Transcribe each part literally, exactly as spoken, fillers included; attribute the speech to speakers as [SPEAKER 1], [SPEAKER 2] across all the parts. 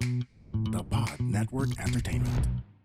[SPEAKER 1] The Pod Network Entertainment.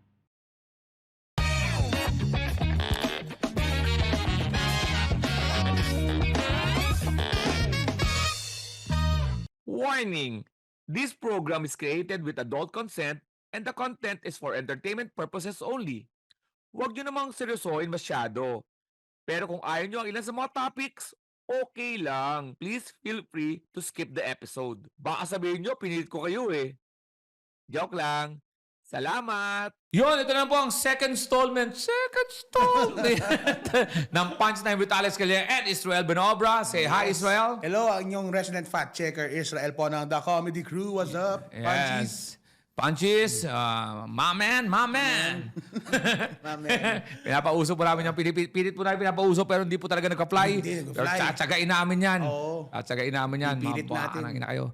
[SPEAKER 2] Warning! This program is created with adult consent and the content is for entertainment purposes only. Huwag nyo namang seryosohin masyado. Pero kung ayaw nyo ang ilan sa mga topics, okay lang. Please feel free to skip the episode. Baka sabihin nyo, pinilit ko kayo eh. Joke lang. Salamat!
[SPEAKER 3] Yun, ito na po ang second installment. Second installment ng Punchline with Alex Calleja and Israel Benobra. Say hi, Israel.
[SPEAKER 4] Hello, ang inyong resident fact checker, Israel po ng The Comedy Crew. What's up? Punchies?
[SPEAKER 3] Yes. Punchies, uh, my man, my man.
[SPEAKER 4] Mamen.
[SPEAKER 3] Pinapauso po namin yung pilit, pilit po namin pinapauso pero hindi po talaga nag-apply.
[SPEAKER 4] Hindi nag-apply.
[SPEAKER 3] Pero tsatsagain namin yan.
[SPEAKER 4] Oo.
[SPEAKER 3] Tsatsagain namin yan.
[SPEAKER 4] Pipilit
[SPEAKER 3] Mga
[SPEAKER 4] natin.
[SPEAKER 3] buwanang ina kayo.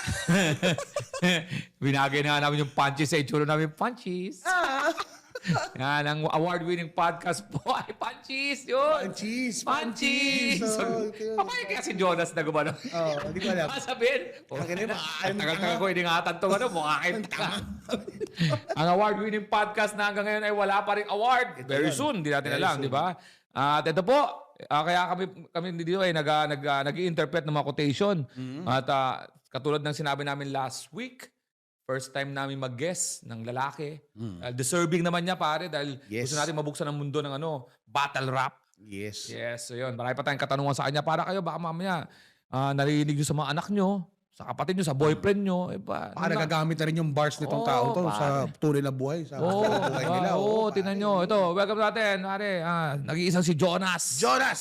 [SPEAKER 3] Binagay na namin yung punchies sa itsura namin. Punchies.
[SPEAKER 4] Ah.
[SPEAKER 3] Yan, ang award-winning podcast po ay Punchies. Yun.
[SPEAKER 4] Punchies.
[SPEAKER 3] Punchies.
[SPEAKER 4] So,
[SPEAKER 3] Papaya kaya si Jonas na gumano.
[SPEAKER 4] oh, hindi ko alam.
[SPEAKER 3] Sabihin.
[SPEAKER 4] Akin na,
[SPEAKER 3] Ang tagal-tagal ko iningatan to ano, mukha kayo. Ang award-winning podcast na hanggang ngayon ay wala pa rin award. Very soon, hindi natin
[SPEAKER 4] Very
[SPEAKER 3] alam,
[SPEAKER 4] soon.
[SPEAKER 3] di ba? At ito po, ah, kaya kami kami dito ay nag nag ah, nag-i-interpret ng mga quotation.
[SPEAKER 4] Mm-hmm.
[SPEAKER 3] At ah, katulad ng sinabi namin last week, first time namin mag-guest ng lalaki. Ah, deserving naman niya pare dahil
[SPEAKER 4] Mm. Yes.
[SPEAKER 3] gusto natin mabuksan ang mundo ng ano, battle rap.
[SPEAKER 4] Yes.
[SPEAKER 3] Yes, so yun. Marami pa tayong katanungan sa kanya. Para kayo, baka mamaya uh, narinig nyo sa mga anak nyo, sa kapatid nyo, sa boyfriend nyo. Eh, ba,
[SPEAKER 4] Baka nagagamit na rin yung bars nitong
[SPEAKER 3] Oo,
[SPEAKER 4] tao to
[SPEAKER 3] pare.
[SPEAKER 4] sa tunay na buhay. Sa
[SPEAKER 3] Oo,
[SPEAKER 4] buhay nila.
[SPEAKER 3] oo,
[SPEAKER 4] Oo,
[SPEAKER 3] oh, tingnan
[SPEAKER 4] pare.
[SPEAKER 3] nyo. Ito, welcome natin. Pare, ah, nag-iisang si Jonas.
[SPEAKER 4] Jonas!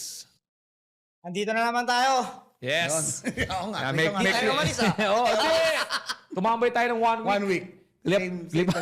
[SPEAKER 5] Andito na naman tayo.
[SPEAKER 3] Yes.
[SPEAKER 4] Oo nga.
[SPEAKER 3] Ah,
[SPEAKER 4] may
[SPEAKER 3] make,
[SPEAKER 4] mga-
[SPEAKER 3] make,
[SPEAKER 5] tayo umalis, ah.
[SPEAKER 3] Oo, kasi tumambay tayo ng one week.
[SPEAKER 4] One week.
[SPEAKER 3] Flip,
[SPEAKER 4] Same,
[SPEAKER 3] flip.
[SPEAKER 4] same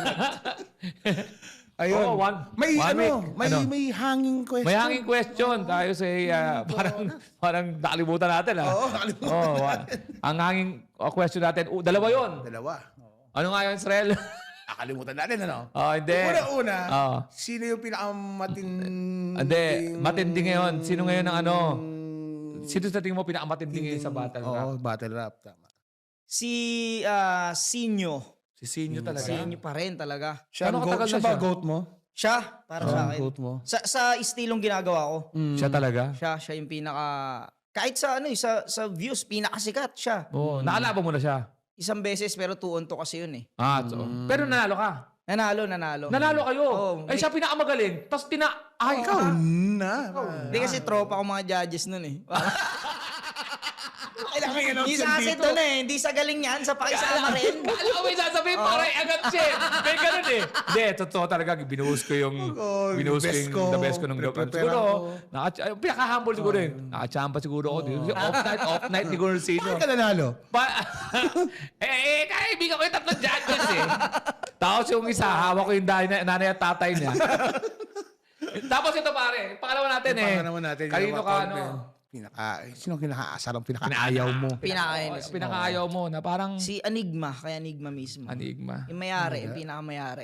[SPEAKER 4] Ayun.
[SPEAKER 3] Oo, one-
[SPEAKER 4] may
[SPEAKER 3] one
[SPEAKER 4] ano,
[SPEAKER 3] week.
[SPEAKER 4] may
[SPEAKER 3] Ano?
[SPEAKER 4] may hanging question.
[SPEAKER 3] May hanging question. Tayo sa ah, parang parang nakalimutan natin. Ah.
[SPEAKER 4] Oo, nakalimutan
[SPEAKER 3] Oo, wa- ang hanging uh, question natin, uh, dalawa yon.
[SPEAKER 4] Dalawa. Oo.
[SPEAKER 3] Ano nga yun, Israel?
[SPEAKER 4] Nakalimutan natin, ano?
[SPEAKER 3] Oh, hindi.
[SPEAKER 4] Una-una,
[SPEAKER 3] Oo.
[SPEAKER 4] sino yung pinakamatinding...
[SPEAKER 3] Hindi, matindi ngayon. Sino ngayon ang ano? Sino sa tingin mo pinakamatindi ngayon sa battle rap?
[SPEAKER 4] Oo, battle rap. Tama.
[SPEAKER 5] Si ah, Sinyo.
[SPEAKER 3] Si Sinyo talaga.
[SPEAKER 5] Sinyo pa rin talaga.
[SPEAKER 4] Siya,
[SPEAKER 3] Ano
[SPEAKER 4] ang
[SPEAKER 3] katagal
[SPEAKER 4] goat, siya
[SPEAKER 3] na
[SPEAKER 4] ba
[SPEAKER 3] siya?
[SPEAKER 4] goat mo?
[SPEAKER 5] Siya, para sa
[SPEAKER 4] Ang
[SPEAKER 5] akin.
[SPEAKER 4] goat mo?
[SPEAKER 5] Sa, sa istilong ginagawa ko,
[SPEAKER 3] Siya talaga?
[SPEAKER 5] siya, siya yung pinaka... Kahit sa ano eh, sa, sa views, pinakasikat siya.
[SPEAKER 3] Oo. Nakalaban mo na siya?
[SPEAKER 5] Isang beses pero two on two kasi yun eh.
[SPEAKER 3] Ah, so. Pero nanalo ka?
[SPEAKER 5] Nanalo, nanalo.
[SPEAKER 3] Nanalo kayo?
[SPEAKER 5] Oo.
[SPEAKER 3] Ay, siya pinakamagaling. Tapos tina... Ay,
[SPEAKER 4] Ikaw
[SPEAKER 3] ka.
[SPEAKER 4] na.
[SPEAKER 5] Hindi kasi tropa ko mga judges nun eh.
[SPEAKER 4] Kailangan yung
[SPEAKER 5] Hindi sa asin doon eh. Hindi sa galing yan. Sa pakisama rin.
[SPEAKER 3] Alam ko may sasabihin, parang agad siya. May ganun eh. Hindi, totoo talaga. Binuhos ko yung...
[SPEAKER 4] Oh,
[SPEAKER 3] binuhos ko
[SPEAKER 4] best
[SPEAKER 3] yung
[SPEAKER 4] ko.
[SPEAKER 3] the best ko ng gabi.
[SPEAKER 4] Prepare
[SPEAKER 3] Siguro,
[SPEAKER 4] ako.
[SPEAKER 3] naka, ay, pinaka-humble siguro yun. Nakachamba siguro ako. Kasi Off night, off night, ni Gordon Sino.
[SPEAKER 4] Bakit ka nanalo?
[SPEAKER 3] Pa eh, eh, kaibigan ko yung tatlong judges eh. Tapos yung isa, hawak ko yung nanay, nanay at tatay niya. Tapos ito pare, pangalawa natin eh.
[SPEAKER 4] Pangalawa natin.
[SPEAKER 3] Kanino ka ano?
[SPEAKER 4] Pinaka, sino kinakaasar ang pinakaayaw mo?
[SPEAKER 5] Pinakainis.
[SPEAKER 3] Oh, pinakaayaw mo na parang
[SPEAKER 5] Si Enigma, kaya Enigma mismo.
[SPEAKER 3] enigma.
[SPEAKER 5] Yung mayari, yung pinakamayari.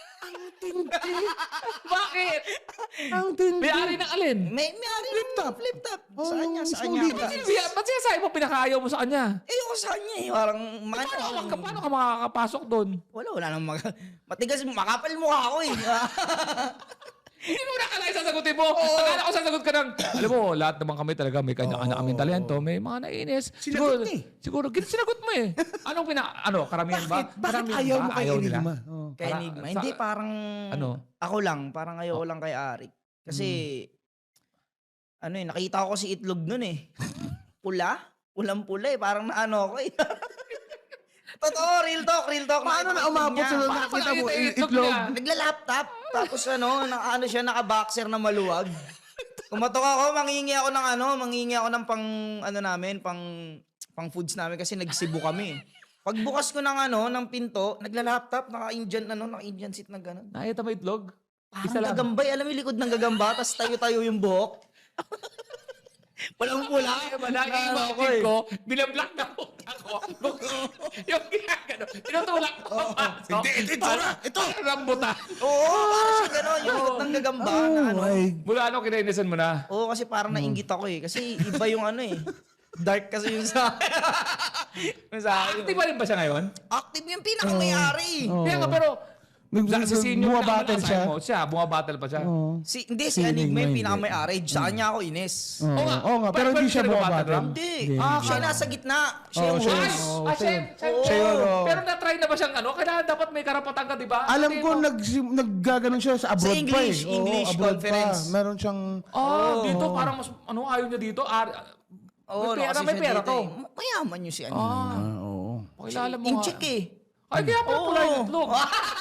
[SPEAKER 3] Bakit?
[SPEAKER 4] Ang tindi.
[SPEAKER 3] May-ari ng alin?
[SPEAKER 5] May mayari flip top, flip top.
[SPEAKER 4] Oh,
[SPEAKER 5] sa kanya,
[SPEAKER 4] yung
[SPEAKER 5] sa kanya.
[SPEAKER 4] solid.
[SPEAKER 3] Ba't ba't sinasabi mo pinakaayaw mo sa kanya?
[SPEAKER 5] Eh, ako sa kanya eh. Parang, man,
[SPEAKER 3] Paano ka, paano ka makakapasok doon?
[SPEAKER 5] wala, wala nang mag... Matigas, makapal mukha ako eh.
[SPEAKER 3] Hindi mo na kala sasagutin mo. Akala ko sasagot ka ng, alam mo, lahat naman kami talaga may kanya-kanya kaming talento. May mga naiinis. Siguro,
[SPEAKER 4] Sinagot niya eh.
[SPEAKER 3] siguro, gin- sinagot mo eh. Anong pina, ano, karamihan ba?
[SPEAKER 4] Bakit? Bakit
[SPEAKER 3] Karamihan
[SPEAKER 4] ayaw
[SPEAKER 3] ba?
[SPEAKER 4] mo kay
[SPEAKER 3] Ayaw nila?
[SPEAKER 4] Enigma? Oh.
[SPEAKER 5] Kay
[SPEAKER 3] Para-
[SPEAKER 5] Enigma.
[SPEAKER 3] sa-
[SPEAKER 5] Hindi, parang...
[SPEAKER 3] Ano?
[SPEAKER 5] Ako lang. Parang ayoko lang kay Arik. Kasi, ano eh, nakita ko si Itlog nun eh. Pula? Pulang-pula eh. Parang naano ako eh. Totoo, real talk, real talk.
[SPEAKER 4] Paano na
[SPEAKER 5] Nakita ko
[SPEAKER 4] umabot
[SPEAKER 5] niya.
[SPEAKER 4] sa
[SPEAKER 3] Paano
[SPEAKER 4] nakita mo?
[SPEAKER 3] nakita yung
[SPEAKER 4] i-
[SPEAKER 3] itlog
[SPEAKER 4] Itlog.
[SPEAKER 3] niya?
[SPEAKER 5] Nagla-laptop. Tapos ano, na, ano siya, naka-boxer na maluwag. Kumatok ako, mangingi ako ng ano, mangingi ako ng pang, ano namin, pang, pang foods namin kasi nagsibo kami. Pagbukas ko ng ano, ng pinto, nagla-laptop, naka-Indian, ano, naka-Indian seat na gano'n.
[SPEAKER 3] Nakita mo itlog? Isa
[SPEAKER 5] Parang
[SPEAKER 3] lang.
[SPEAKER 5] gagambay, alam mo yung likod ng gagamba, tapos tayo-tayo yung buhok. Walang pula.
[SPEAKER 3] Naki-imagine ko, binablock na po ako. Yung ginagano, tinutulak ko.
[SPEAKER 4] Hindi, ito, ito na, ito.
[SPEAKER 3] Parang rambutan.
[SPEAKER 5] Oo, parang siya gano'n, yung likod ng gagamba na ano.
[SPEAKER 4] my.
[SPEAKER 3] Mula ano, kinainisan mo na?
[SPEAKER 5] Oo, kasi parang nainggit ako eh. Kasi iba yung ano eh. Dark kasi yung sa yung sa akin.
[SPEAKER 3] Active pa rin ba siya ngayon?
[SPEAKER 5] Active yung pinakamayari.
[SPEAKER 3] Kaya nga, pero
[SPEAKER 4] Nag-
[SPEAKER 3] sa, si senior
[SPEAKER 4] bumabattle
[SPEAKER 3] na
[SPEAKER 4] siya.
[SPEAKER 3] mo, siya, bumabattle pa siya.
[SPEAKER 4] Oo.
[SPEAKER 5] Si, hindi,
[SPEAKER 4] Si
[SPEAKER 5] si Enigma
[SPEAKER 4] Enigma
[SPEAKER 5] yung
[SPEAKER 4] hindi.
[SPEAKER 5] pinakamayari. Sa kanya ako inis.
[SPEAKER 4] Oo
[SPEAKER 3] Oo nga.
[SPEAKER 4] Oo nga, pero
[SPEAKER 3] Pwede
[SPEAKER 4] hindi siya
[SPEAKER 3] ka rin
[SPEAKER 4] bumabattle.
[SPEAKER 3] bumabattle?
[SPEAKER 5] Hindi.
[SPEAKER 3] Ah,
[SPEAKER 5] siya
[SPEAKER 3] kala-
[SPEAKER 5] nasa gitna. Siya
[SPEAKER 4] Oo,
[SPEAKER 5] yung
[SPEAKER 4] siya-
[SPEAKER 3] Ay,
[SPEAKER 5] host.
[SPEAKER 4] Oo,
[SPEAKER 3] ah,
[SPEAKER 4] siya
[SPEAKER 3] siya,
[SPEAKER 4] yun.
[SPEAKER 3] siya,
[SPEAKER 5] Oo.
[SPEAKER 3] siya yun.
[SPEAKER 4] Oo.
[SPEAKER 3] Pero na-try na ba siyang ano? Kailangan dapat may karapatan ka, di ba?
[SPEAKER 4] Alam
[SPEAKER 3] Kasi
[SPEAKER 4] ko,
[SPEAKER 3] mo-
[SPEAKER 4] nag, naggaganon siya sa abroad
[SPEAKER 5] English,
[SPEAKER 4] pa eh. Oo,
[SPEAKER 5] English
[SPEAKER 4] abroad
[SPEAKER 5] conference.
[SPEAKER 4] Pa. Meron siyang...
[SPEAKER 3] Ah, dito parang mas, ano, ayaw niya dito. Ah,
[SPEAKER 5] Oo,
[SPEAKER 3] may pera,
[SPEAKER 5] kasi
[SPEAKER 3] may
[SPEAKER 5] siya
[SPEAKER 3] pera
[SPEAKER 5] dito
[SPEAKER 3] to.
[SPEAKER 5] eh. Mayaman yung si Enigma.
[SPEAKER 3] Ah,
[SPEAKER 4] Ah, oo.
[SPEAKER 3] pakilala mo
[SPEAKER 5] In
[SPEAKER 3] nga.
[SPEAKER 5] chick eh.
[SPEAKER 3] Ay, kaya pala
[SPEAKER 5] Oo.
[SPEAKER 3] kulay ng itlog.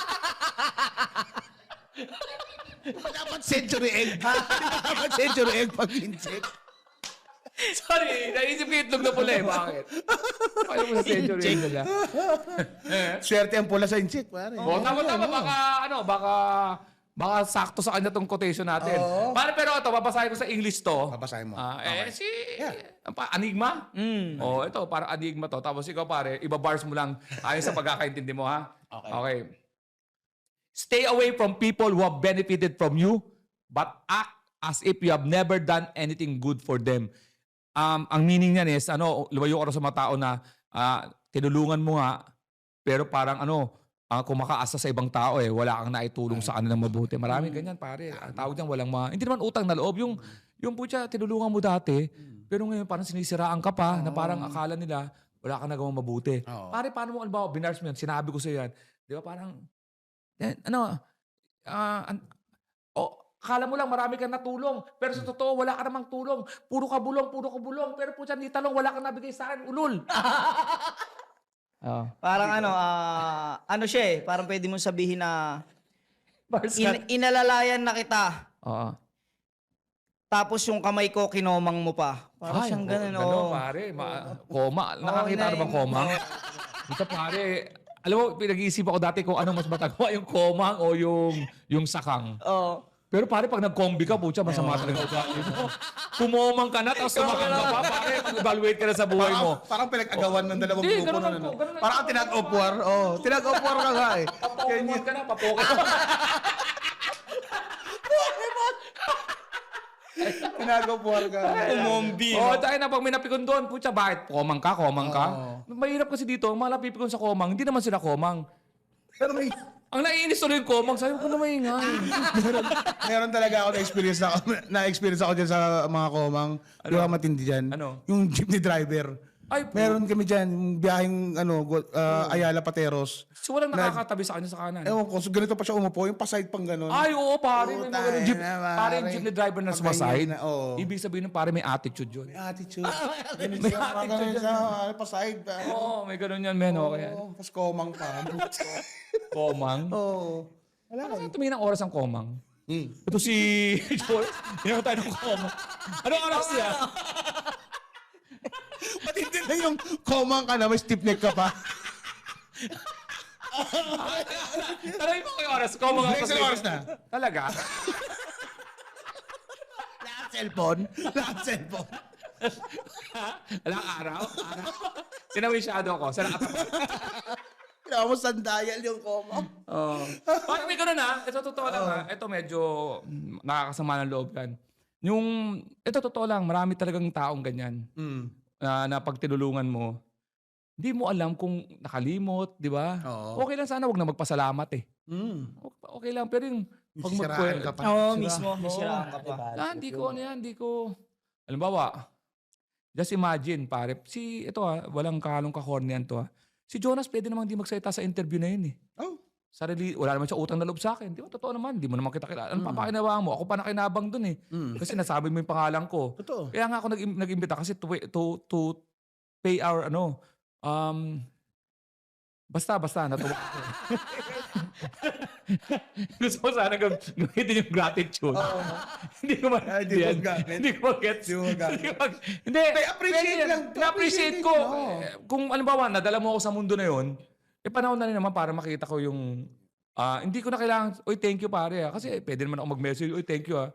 [SPEAKER 4] Dapat century egg. Dapat century egg pag in-check.
[SPEAKER 3] Sorry, naisip ko yung itlog na pula eh. Bakit? Ayaw mo sa century egg na siya.
[SPEAKER 4] Swerte ang pula sa in-check, pare.
[SPEAKER 3] Oh, tama tama baka ano, baka baka sakto sa kanya tong quotation natin. Pare, pero ito babasahin ko sa English to.
[SPEAKER 4] Babasahin mo.
[SPEAKER 3] Ah, eh si
[SPEAKER 4] Yeah.
[SPEAKER 3] ang pa, Enigma?
[SPEAKER 5] Mm.
[SPEAKER 3] Oh, ito parang Enigma to. Tapos ikaw pare, iba-bars mo lang ayon sa pagkakaintindi mo ha.
[SPEAKER 4] Okay.
[SPEAKER 3] Okay. Stay away from people who have benefited from you but act as if you have never done anything good for them. Um, ang meaning niyan is, ano, lumayo ka rin sa mga tao na ah, tinulungan mo nga, pero parang ano, ah, kumakaasa sa ibang tao eh, wala kang naitulong sa kanilang mabuti. Maraming ganyan pare. Ang tawag niyan walang mga, hindi naman utang na loob. Yung, yung po siya, tinulungan mo dati, pero ngayon parang sinisiraan ka pa, na parang akala nila, wala kang nagawang mabuti.
[SPEAKER 4] Oo.
[SPEAKER 3] Pare, paano mo, alam binars mo yan, sinabi ko sa yan, di ba parang, yan, ano, ah, an- oh, akala mo lang marami kang natulong, pero sa totoo, wala ka namang tulong. Puro ka bulong, puro ka bulong, pero po dyan, di talong, wala kang nabigay sa akin, ulol. oh.
[SPEAKER 5] Parang ano, ah, ano siya eh. Parang pwede mong sabihin na
[SPEAKER 3] Bars
[SPEAKER 5] in- inalalayan na kita.
[SPEAKER 3] Oo.
[SPEAKER 5] Tapos yung kamay ko, kinomang mo pa. Parang siyang ganun.
[SPEAKER 3] Ganun,
[SPEAKER 5] Oh.
[SPEAKER 3] pare. Ma- koma. Nakakita
[SPEAKER 5] ina-
[SPEAKER 3] ka bang komang? Ito, pare. Alam mo, pinag-iisip ako dati kung ano mas matagawa, yung komang o yung, yung sakang.
[SPEAKER 5] Oh.
[SPEAKER 3] Pero pare, pag nag-combi ka, putya, masama talaga ugali mo. Kumomang ka na, tapos sumakang ka pa, pare. Mag-evaluate ka na sa buhay mo.
[SPEAKER 4] Parang, parang pinag-agawan ng dalawang
[SPEAKER 3] Hindi,
[SPEAKER 4] grupo
[SPEAKER 3] ganun
[SPEAKER 4] nun,
[SPEAKER 3] lang
[SPEAKER 4] ano?
[SPEAKER 3] po, ganun lang
[SPEAKER 4] Parang
[SPEAKER 3] po.
[SPEAKER 4] tinag-opwar. Oh, tinag-opwar ka nga eh.
[SPEAKER 3] Papokemon ka na, papokemon.
[SPEAKER 4] Tinag-opwar ka.
[SPEAKER 5] Umombi.
[SPEAKER 3] Oo, tayo na pag may napikon doon, putya, bakit? Komang ka, komang ka. Mahirap kasi dito, ang mga napipikon sa komang, hindi naman sila komang.
[SPEAKER 4] Pero may,
[SPEAKER 3] Ang naiinis tuloy yung komang, sabi ko na maingay.
[SPEAKER 4] meron talaga ako na-experience na, na-experience ako dyan sa mga komang. Di ba matindi dyan?
[SPEAKER 3] Ano?
[SPEAKER 4] Yung jeepney driver.
[SPEAKER 3] Ay, po.
[SPEAKER 4] Meron kami dyan, yung biyaheng ano, go- uh, Ayala Pateros.
[SPEAKER 3] So walang nakakatabi sa kanya sa kanan.
[SPEAKER 4] Ewan ko, so ganito pa siya umupo, yung paside pang ganun.
[SPEAKER 3] Ay, oo, pare. May mga
[SPEAKER 4] Puta
[SPEAKER 3] ganun jeep.
[SPEAKER 4] na, pare.
[SPEAKER 3] Pare, yung jeepney driver na
[SPEAKER 4] Pag
[SPEAKER 3] sumaside.
[SPEAKER 4] ganyan na, oo.
[SPEAKER 3] Ibig sabihin ng pare, may attitude yun.
[SPEAKER 4] May attitude. Ganun
[SPEAKER 3] May
[SPEAKER 4] siya, mga
[SPEAKER 3] attitude
[SPEAKER 4] ganun
[SPEAKER 3] yan.
[SPEAKER 4] siya, ano, paside.
[SPEAKER 3] Oo, may ganun yan, men. Okay.
[SPEAKER 4] Oo, tapos komang pa.
[SPEAKER 3] Komang.
[SPEAKER 4] Oo. Wala ka.
[SPEAKER 3] Ano tumingin ng oras ang komang?
[SPEAKER 4] Hmm.
[SPEAKER 3] Ito si Joel. Hindi tayo ng komang. Anong oras niya?
[SPEAKER 4] Matindi na yung komang ka na, may stiff neck ka pa.
[SPEAKER 3] Tanongin mo ko yung oras. Komang ang
[SPEAKER 4] Next oras na.
[SPEAKER 3] Talaga?
[SPEAKER 4] Lahat cellphone. Lahat cellphone.
[SPEAKER 3] Alang araw? Araw? Tinawisyado ko. Sa nakatapat.
[SPEAKER 4] Kailangan mo sandayal yung komang.
[SPEAKER 3] Oh. Parang may ganun ha. Ito totoo lang ha. Ito medyo mm, nakakasama ng loob yan. Yung, ito totoo lang, marami talagang taong ganyan.
[SPEAKER 4] Mm.
[SPEAKER 3] Na, na pag tinulungan mo, hindi mo alam kung nakalimot, di ba?
[SPEAKER 4] Oo.
[SPEAKER 3] Okay lang sana, wag na magpasalamat eh.
[SPEAKER 4] Mm.
[SPEAKER 3] Okay, okay lang, pero yung pag
[SPEAKER 4] Sisiraan
[SPEAKER 3] magkwe-
[SPEAKER 4] ka pa.
[SPEAKER 5] Oo,
[SPEAKER 3] Sira.
[SPEAKER 5] mismo. May
[SPEAKER 3] Oo.
[SPEAKER 5] siraan ka pa.
[SPEAKER 3] Ah, hindi ko ano yan, hindi ko... Halimbawa, just imagine, pare, si, ito ha, walang kahalong kahornian to ha. Si Jonas pwede namang di magsalita sa interview na yun eh.
[SPEAKER 4] Oh.
[SPEAKER 3] Sarili, wala naman siya utang na loob sa akin. Di ba, totoo naman, di mo naman kita kilala. Ano papakinabang mo? Ako pa nakinabang dun eh.
[SPEAKER 4] Mm.
[SPEAKER 3] Kasi nasabi mo yung pangalan ko.
[SPEAKER 4] Totoo.
[SPEAKER 3] Kaya nga ako nag nag-imbita kasi to, to, to pay our ano, um, basta, basta, natuwa ako. Gusto ko sana gam- gamitin yung gratitude. Hindi ko ma-
[SPEAKER 4] Ay, di mo
[SPEAKER 3] yan.
[SPEAKER 4] gamit.
[SPEAKER 3] Hindi ko ma-gets.
[SPEAKER 4] Di mo gamit.
[SPEAKER 3] Hindi ko mag- Hindi.
[SPEAKER 4] May appreciate
[SPEAKER 3] pwede yan.
[SPEAKER 4] lang.
[SPEAKER 3] Na-appreciate
[SPEAKER 4] Appreciate
[SPEAKER 3] ko.
[SPEAKER 4] din, oo.
[SPEAKER 3] Eh, Kung alimbawa, nadala mo ako sa mundo na yon, eh panahon na rin naman para makita ko yung, ah, hindi ko na kailangan, oy, thank you pare ah. Kasi pwede naman ako mag-message, oy, thank you ah.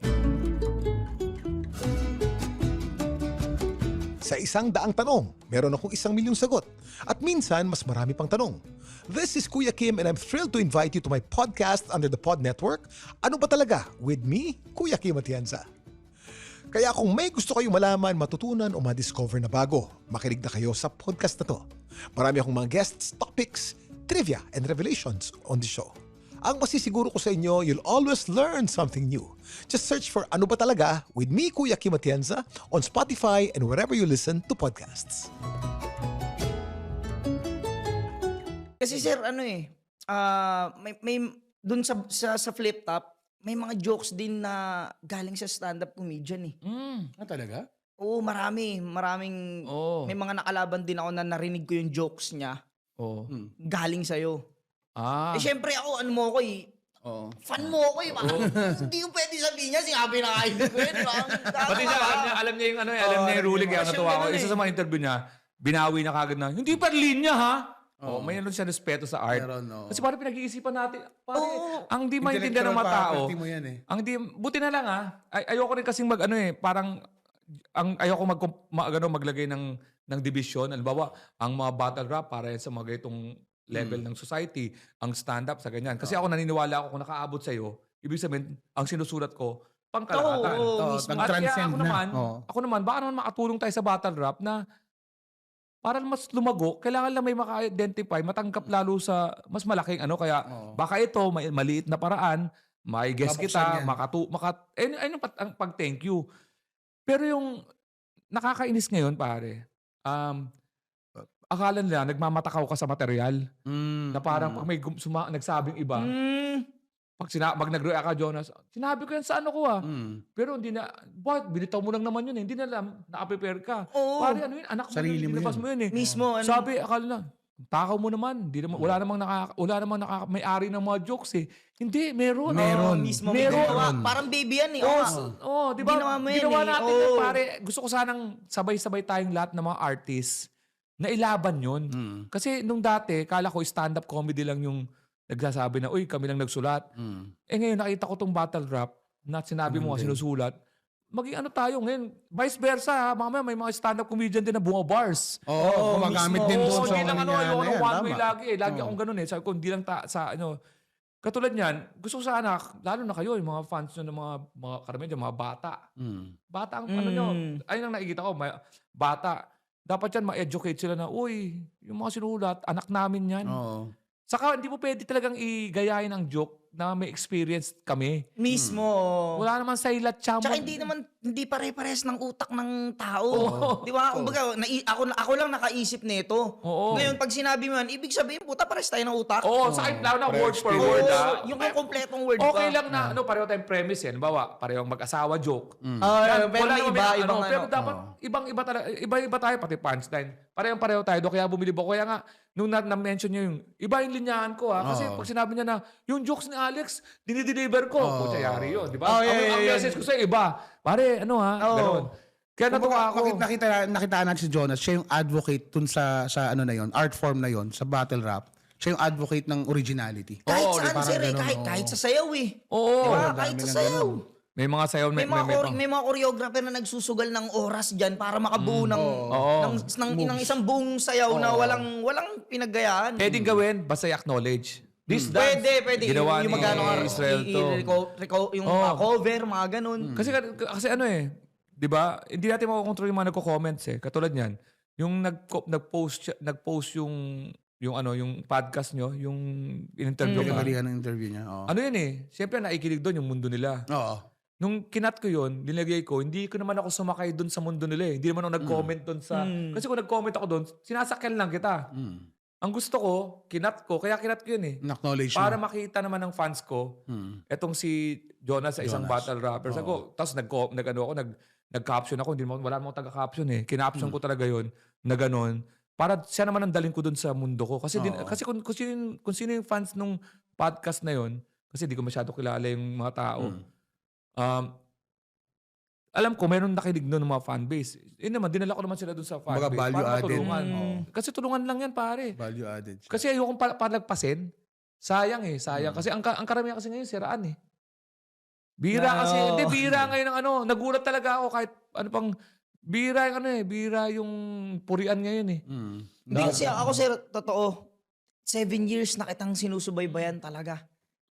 [SPEAKER 6] Sa isang daang tanong, meron akong isang milyong sagot. At minsan, mas marami pang tanong. This is Kuya Kim and I'm thrilled to invite you to my podcast under the Pod Network, Ano Ba Talaga? With me, Kuya Kim Atienza. Kaya kung may gusto kayong malaman, matutunan o ma-discover na bago, makinig na kayo sa podcast na to. Marami akong mga guests, topics, trivia, and revelations on the show. Ang masisiguro ko sa inyo, you'll always learn something new. Just search for Ano Ba Talaga with me, Kuya Kim Atienza, on Spotify and wherever you listen to podcasts.
[SPEAKER 5] Kasi sir, ano eh, ah, may, may, dun sa, sa, sa flip top, may mga jokes din na galing sa stand-up comedian eh.
[SPEAKER 3] Mm.
[SPEAKER 4] Ah, talaga?
[SPEAKER 5] Oo, marami. Maraming,
[SPEAKER 3] Oo.
[SPEAKER 5] may mga nakalaban din ako na narinig ko yung jokes niya
[SPEAKER 3] Oh.
[SPEAKER 5] galing sa'yo.
[SPEAKER 3] Ah.
[SPEAKER 5] Eh syempre ako, ano mo ako eh,
[SPEAKER 4] Oo.
[SPEAKER 5] fan mo ako eh. Parang, hindi ko pwede sabihin niya, sinabi na kayo ko yun. di ba?
[SPEAKER 3] Pati siya, alam niya, alam niya yung ano, eh, alam niya yung ruling kaya
[SPEAKER 5] Kasi
[SPEAKER 3] natuwa ako.
[SPEAKER 5] ganun
[SPEAKER 3] Isa
[SPEAKER 5] eh.
[SPEAKER 3] sa mga interview niya, binawi na kagad na, hindi pa linya ha? Oh, may ano siya respeto sa art.
[SPEAKER 4] Meron, oo.
[SPEAKER 3] Kasi parang pinag-iisipan natin, parang
[SPEAKER 5] Oo.
[SPEAKER 3] ang di maintindihan ng mga tao.
[SPEAKER 4] property mo yan eh.
[SPEAKER 3] Ang di, buti na lang ah. Ay, ayoko rin kasing mag ano eh, parang ang ayoko mag, mag ano, maglagay ng ng division. Halimbawa, ang mga battle rap para yan sa mga ganitong level ng society, ang stand-up sa ganyan. Kasi ako naniniwala ako kung nakaabot sa'yo, ibig sabihin, ang sinusulat ko, pangkalahatan.
[SPEAKER 5] Oo,
[SPEAKER 4] Oo,
[SPEAKER 5] mismo.
[SPEAKER 3] At kaya
[SPEAKER 4] nag-transcend
[SPEAKER 3] ako
[SPEAKER 4] na.
[SPEAKER 3] naman,
[SPEAKER 4] Oo.
[SPEAKER 3] ako naman, baka naman makatulong tayo sa battle rap na para mas lumago, kailangan lang may maka-identify, matanggap lalo sa mas malaking ano. Kaya
[SPEAKER 4] Oo.
[SPEAKER 3] baka ito, may maliit na paraan, may guess
[SPEAKER 4] Babuksan
[SPEAKER 3] kita,
[SPEAKER 4] yan.
[SPEAKER 3] makatu, maka, ayun, ayun ang pat- ang pag-thank you. Pero yung nakakainis ngayon, pare, um, akala nila, nagmamatakaw ka sa material.
[SPEAKER 4] Mm,
[SPEAKER 3] Na parang
[SPEAKER 4] mm.
[SPEAKER 3] pag may gum- suma, nagsabing iba,
[SPEAKER 5] Mm,
[SPEAKER 3] pag sina, mag nag-react ka, Jonas, sinabi ko yan sa ano ko ah.
[SPEAKER 4] Mm.
[SPEAKER 3] Pero hindi na, what? Binitaw mo lang naman yun eh. Hindi na alam, naka-prepare ka.
[SPEAKER 5] Oo.
[SPEAKER 3] Pare, ano yun? Anak mo
[SPEAKER 4] Sarili
[SPEAKER 3] yun,
[SPEAKER 4] mo
[SPEAKER 3] nilabas
[SPEAKER 4] yun.
[SPEAKER 3] mo yun eh.
[SPEAKER 5] mismo, ano.
[SPEAKER 3] Sabi, akala na, takaw mo naman. Hindi naman, wala namang naka, wala namang naka, may-ari ng mga jokes eh. Hindi, meron.
[SPEAKER 4] Meron.
[SPEAKER 5] Oo, mismo.
[SPEAKER 3] Meron.
[SPEAKER 5] Ginawa. Parang baby yan eh.
[SPEAKER 3] Oo,
[SPEAKER 5] Oo.
[SPEAKER 3] s- oh, di ba?
[SPEAKER 5] Ginawa mo yan
[SPEAKER 3] Ginawa
[SPEAKER 5] eh.
[SPEAKER 3] natin
[SPEAKER 5] Oo.
[SPEAKER 3] yan, pare. Gusto ko sanang sabay-sabay tayong lahat ng mga artists na ilaban yun.
[SPEAKER 4] Mm.
[SPEAKER 3] Kasi nung dati, kala ko stand-up comedy lang yung nagsasabi na, uy, kami lang nagsulat.
[SPEAKER 4] Mm.
[SPEAKER 3] Eh ngayon, nakita ko tong battle rap na sinabi mo nga sinusulat. Maging ano tayo ngayon, vice versa ha. Mamaya may mga stand-up comedian din na bunga bars.
[SPEAKER 4] Oo, gumagamit
[SPEAKER 5] mismo.
[SPEAKER 4] din doon
[SPEAKER 3] Oo,
[SPEAKER 4] sa
[SPEAKER 3] hindi lang ano,
[SPEAKER 4] kanya
[SPEAKER 3] ayoko
[SPEAKER 4] na
[SPEAKER 3] ng
[SPEAKER 4] yan,
[SPEAKER 3] one way
[SPEAKER 4] tama.
[SPEAKER 3] lagi eh. Lagi
[SPEAKER 4] Oo.
[SPEAKER 3] akong ganun eh. Sabi ko, hindi lang ta, sa ano. Katulad niyan, gusto ko sana, lalo na kayo, yung mga fans nyo ng mga, mga karamihan dyan, mga bata.
[SPEAKER 4] Mm.
[SPEAKER 3] Bata ang ano nyo.
[SPEAKER 5] Mm.
[SPEAKER 3] Ayun ang nakikita ko, may, bata. Dapat yan, ma-educate sila na, uy, yung mga sinulat, anak namin yan.
[SPEAKER 4] Oo.
[SPEAKER 3] Saka hindi mo pwede talagang igayahin ang joke na may experience kami.
[SPEAKER 5] Mismo.
[SPEAKER 3] Wala naman sa ilat siya mo.
[SPEAKER 5] Tsaka hindi naman, hindi pare-pares ng utak ng tao.
[SPEAKER 3] Oo.
[SPEAKER 5] Di ba? Kumbaga, nai- ako, ako lang nakaisip nito.
[SPEAKER 3] Oo.
[SPEAKER 5] Ngayon, pag sinabi mo yan, ibig sabihin, puta, pares tayo ng utak.
[SPEAKER 3] Oo, sa akin lang na
[SPEAKER 4] Pares
[SPEAKER 3] word for
[SPEAKER 4] experience.
[SPEAKER 3] word.
[SPEAKER 5] Oo,
[SPEAKER 3] ah.
[SPEAKER 5] yung kung kompletong word
[SPEAKER 3] Okay
[SPEAKER 5] pa.
[SPEAKER 3] lang na ano, pareho tayong premise yan. Bawa, parehong mag-asawa joke.
[SPEAKER 5] Ah,
[SPEAKER 3] Yan,
[SPEAKER 5] pero
[SPEAKER 3] wala
[SPEAKER 5] may
[SPEAKER 3] naman
[SPEAKER 5] iba,
[SPEAKER 3] may
[SPEAKER 5] ibang
[SPEAKER 3] Pero
[SPEAKER 5] ano.
[SPEAKER 3] dapat ibang-iba talaga, iba-iba tayo pati punchline. Parehong pareho tayo do kaya bumili ko. Kaya nga nung na- na-mention niyo yung iba yung linyahan ko ha. Kasi
[SPEAKER 4] Oo.
[SPEAKER 3] pag sinabi niya na yung jokes ni Alex, dinideliver ko.
[SPEAKER 4] Oo.
[SPEAKER 3] Pucha, yari yun, di ba?
[SPEAKER 5] Oh,
[SPEAKER 3] ang,
[SPEAKER 5] yeah, yeah,
[SPEAKER 3] ang
[SPEAKER 5] yeah.
[SPEAKER 3] message ko sa iba, pare, ano ha,
[SPEAKER 5] Oo.
[SPEAKER 3] ganun. Kaya natuwa
[SPEAKER 4] Kumbaga,
[SPEAKER 3] ako.
[SPEAKER 4] nakita, nakita, nakitaan natin si Jonas, siya yung advocate dun sa, sa ano na yon, art form na yon, sa battle rap. Siya yung advocate ng originality.
[SPEAKER 5] Kahit
[SPEAKER 3] Oo,
[SPEAKER 5] saan,
[SPEAKER 4] parang
[SPEAKER 5] sir, eh,
[SPEAKER 4] ganun,
[SPEAKER 5] kahit,
[SPEAKER 4] oo.
[SPEAKER 5] kahit sa sayaw eh.
[SPEAKER 3] Oo.
[SPEAKER 5] Di ba?
[SPEAKER 4] dami
[SPEAKER 5] Kahit sa
[SPEAKER 4] ng
[SPEAKER 5] sayaw.
[SPEAKER 4] ganun.
[SPEAKER 3] May mga sayaw,
[SPEAKER 5] May,
[SPEAKER 3] may,
[SPEAKER 5] mga,
[SPEAKER 3] may,
[SPEAKER 5] chore-
[SPEAKER 3] may,
[SPEAKER 5] may mga choreographer na nagsusugal ng oras dyan para makabuo ng,
[SPEAKER 3] Oo.
[SPEAKER 5] ng, ng, ng isang buong sayaw na walang walang pinaggayaan.
[SPEAKER 3] pwedeng gawin, basta i-acknowledge. This dance,
[SPEAKER 5] Pwede, pwede.
[SPEAKER 3] Ginawa
[SPEAKER 5] yung
[SPEAKER 3] ni
[SPEAKER 5] magkano ka,
[SPEAKER 3] Israel
[SPEAKER 5] i-
[SPEAKER 3] to.
[SPEAKER 5] i- reco- reco- yung
[SPEAKER 3] Oo.
[SPEAKER 5] mga cover, mga ganun.
[SPEAKER 3] Kasi kasi ano eh, 'di ba? Hindi natin makokontrol yung mga nagko-comments eh. Katulad niyan, yung nag nag-post siya- nag-post yung yung ano, yung podcast nyo, yung in-interview ka.
[SPEAKER 4] Pinagalihan ng interview niya. Oo.
[SPEAKER 3] Ano yun eh, siyempre naikinig doon yung mundo nila.
[SPEAKER 4] Oo.
[SPEAKER 3] Nung kinat ko yun, nilagay ko, hindi ko naman ako sumakay doon sa mundo nila eh. Hindi naman ako nag-comment doon sa... Kasi kung nag-comment ako doon, sinasakyan lang kita.
[SPEAKER 4] Mm.
[SPEAKER 3] Ang gusto ko, kinat ko, kaya kinat ko yun eh.
[SPEAKER 4] Acknowledge
[SPEAKER 3] Para
[SPEAKER 4] mo.
[SPEAKER 3] makita naman ng fans ko,
[SPEAKER 4] Mm.
[SPEAKER 3] etong si Jonas sa isang
[SPEAKER 4] Jonas.
[SPEAKER 3] battle rapper. Sabi ko, tapos nag, nag, ano ako, nag, nag-caption ako, hindi naman, wala namang taga-caption eh. Kinaption ko talaga yun, na ganun. Para siya naman ang daling ko dun sa mundo ko. Kasi, din,
[SPEAKER 4] Oo.
[SPEAKER 3] kasi kung, kung, sino, kung sino yung fans nung podcast na yun, kasi di ko masyado kilala yung mga tao.
[SPEAKER 4] Mm.
[SPEAKER 3] Um, alam ko, meron nakinig nun ng mga fanbase. Yun naman, dinala ko naman sila dun sa fanbase.
[SPEAKER 4] Kumbaga, value
[SPEAKER 3] para
[SPEAKER 4] added.
[SPEAKER 3] matulungan.
[SPEAKER 5] Mm.
[SPEAKER 3] Kasi tulungan lang yan, pare.
[SPEAKER 4] Value added. siya.
[SPEAKER 3] Kasi ayokong pa- palagpasin. Sayang eh, sayang. Kasi ang, ka- ang karamihan kasi ngayon, siraan eh. Bira
[SPEAKER 5] No.
[SPEAKER 3] kasi, hindi, bira ngayon ng ano. Nagulat talaga ako kahit ano pang, bira yung ano eh, bira yung purian ngayon eh.
[SPEAKER 4] Mm.
[SPEAKER 5] Hindi kasi ako, sir, totoo, seven years na kitang sinusubaybayan talaga.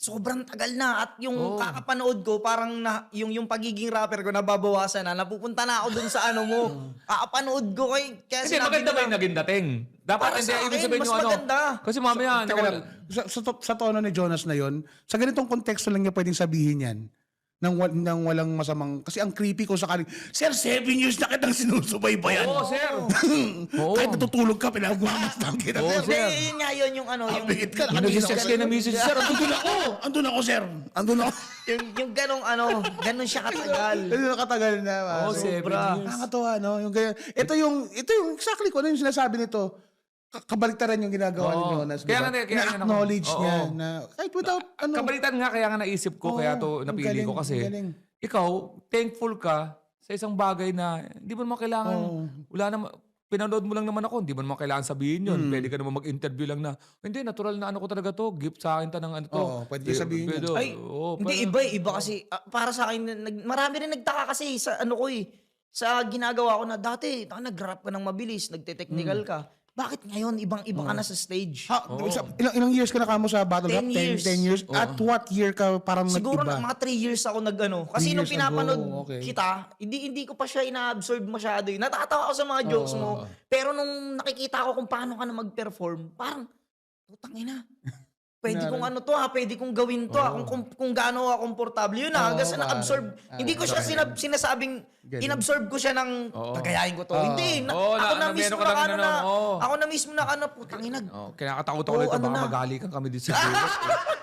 [SPEAKER 5] sobrang tagal na at yung
[SPEAKER 3] Oo.
[SPEAKER 5] kakapanood ko parang na, yung yung pagiging rapper ko nababawasan na, napupunta na ako dun sa ano mo. Kakapanood ko kay kaya
[SPEAKER 3] Hindi,
[SPEAKER 5] sinabi
[SPEAKER 3] maganda
[SPEAKER 5] ko
[SPEAKER 3] ba yung
[SPEAKER 5] na,
[SPEAKER 3] naging dating? Dapat
[SPEAKER 5] Para
[SPEAKER 3] hindi,
[SPEAKER 5] sa
[SPEAKER 3] ibig
[SPEAKER 5] akin,
[SPEAKER 3] sabihin
[SPEAKER 5] mas
[SPEAKER 3] yung ano.
[SPEAKER 5] maganda.
[SPEAKER 3] Kasi mamaya,
[SPEAKER 4] Teka
[SPEAKER 3] nawala-
[SPEAKER 4] lang, sa, sa, to- sa tono ni Jonas na yon, sa ganitong konteksto lang niya pwedeng sabihin yan. Nang, wa- nang walang masamang... Kasi ang creepy ko sa kanin, Sir, seven years na kitang sinusubaybayan.
[SPEAKER 3] Oo, sir. Oo.
[SPEAKER 4] Kahit natutulog ka, pinagmamasdan kita.
[SPEAKER 3] Oo,
[SPEAKER 4] sir.
[SPEAKER 5] Hindi,
[SPEAKER 3] sir.
[SPEAKER 5] yun nga yun yung ano, yung,
[SPEAKER 4] Update ka,
[SPEAKER 3] Yung nag-sex kayo na misis, sir.
[SPEAKER 4] Andun ako! Andun ako, sir! Andun ako!
[SPEAKER 5] yung, yung ganong ano, ganon siya katagal.
[SPEAKER 4] Ano katagal na.
[SPEAKER 3] Oo,
[SPEAKER 4] so,
[SPEAKER 3] seven
[SPEAKER 5] sobra.
[SPEAKER 3] years.
[SPEAKER 4] Nakakatawa, no? Yung ganyan. Ito yung, ito yung exactly ko, ano yung sinasabi nito. Ka- Kabaliktaran yung ginagawa ni
[SPEAKER 3] Oo.
[SPEAKER 4] Jonas.
[SPEAKER 3] Kaya
[SPEAKER 4] diba?
[SPEAKER 3] nga, kaya nga
[SPEAKER 4] Na-acknowledge
[SPEAKER 3] ako-
[SPEAKER 4] niya
[SPEAKER 3] Oo.
[SPEAKER 4] na kahit without, ano.
[SPEAKER 3] Kabalitan nga, kaya nga naisip ko,
[SPEAKER 4] Oo,
[SPEAKER 3] kaya to
[SPEAKER 4] ang
[SPEAKER 3] napili
[SPEAKER 4] galing,
[SPEAKER 3] ko kasi,
[SPEAKER 4] ang galing.
[SPEAKER 3] ikaw, thankful ka sa isang bagay na hindi mo naman kailangan,
[SPEAKER 4] Oo.
[SPEAKER 3] wala naman, pinanood mo lang naman ako, hindi mo naman kailangan sabihin yun.
[SPEAKER 4] Hmm.
[SPEAKER 3] Pwede ka naman mag-interview lang na, hindi, natural na ano ko talaga to, gift sa akin ta ng ano to.
[SPEAKER 4] Oo, pwede
[SPEAKER 3] Eh,
[SPEAKER 4] sabihin
[SPEAKER 3] pwede,
[SPEAKER 4] yun.
[SPEAKER 5] Ay,
[SPEAKER 3] oo,
[SPEAKER 5] hindi,
[SPEAKER 3] parang-
[SPEAKER 5] iba eh. Iba kasi, ah, para sa akin, nag, marami rin nagtaka kasi sa ano ko eh. Sa ginagawa ko na dati, taka, nag-rap ka ng mabilis, nagte-technical ka. Bakit ngayon, ibang-iba ka na sa stage?
[SPEAKER 4] Ha, isa- ilang, ilang years ka na kamo sa battle rap?
[SPEAKER 5] Ten
[SPEAKER 4] Ten,
[SPEAKER 5] years.
[SPEAKER 4] ten years. At what year ka parang
[SPEAKER 5] Siguro
[SPEAKER 4] nag-iba?
[SPEAKER 5] na mga three years ako nag-ano. Kasi
[SPEAKER 4] Three
[SPEAKER 5] nung
[SPEAKER 4] years
[SPEAKER 5] pinapanood
[SPEAKER 4] ago, okay.
[SPEAKER 5] kita, hindi hindi ko pa siya ina-absorb masyado. eh. Natatawa ako sa mga jokes mo. Pero nung nakikita ko kung paano ka na mag-perform, parang, putang ina. Pwede kong ano to ha, pwede kong gawin to ha, kung, kung, kung gaano ako komportable. Yun ha,
[SPEAKER 4] Oo,
[SPEAKER 5] hanggang sa
[SPEAKER 4] pare.
[SPEAKER 5] na-absorb.
[SPEAKER 4] Ah,
[SPEAKER 5] Hindi ko siya
[SPEAKER 4] okay.
[SPEAKER 5] sinab- sinasabing,
[SPEAKER 4] Galing.
[SPEAKER 5] inabsorb ko siya ng,
[SPEAKER 3] Oo.
[SPEAKER 5] tagayahin ko to.
[SPEAKER 4] Oo.
[SPEAKER 5] Hindi, na,
[SPEAKER 3] Oo, na-
[SPEAKER 5] ako na
[SPEAKER 3] na-
[SPEAKER 5] mismo
[SPEAKER 3] meron ka
[SPEAKER 5] na
[SPEAKER 3] lang
[SPEAKER 5] ano
[SPEAKER 3] ano,
[SPEAKER 5] na,
[SPEAKER 3] oo.
[SPEAKER 5] ako na mismo na ano, putang ina.
[SPEAKER 3] Oh, kinakatakot ako
[SPEAKER 5] Oo,
[SPEAKER 3] nito,
[SPEAKER 5] ano
[SPEAKER 3] baka
[SPEAKER 5] na?
[SPEAKER 3] magalikan kami dito sa Vegas.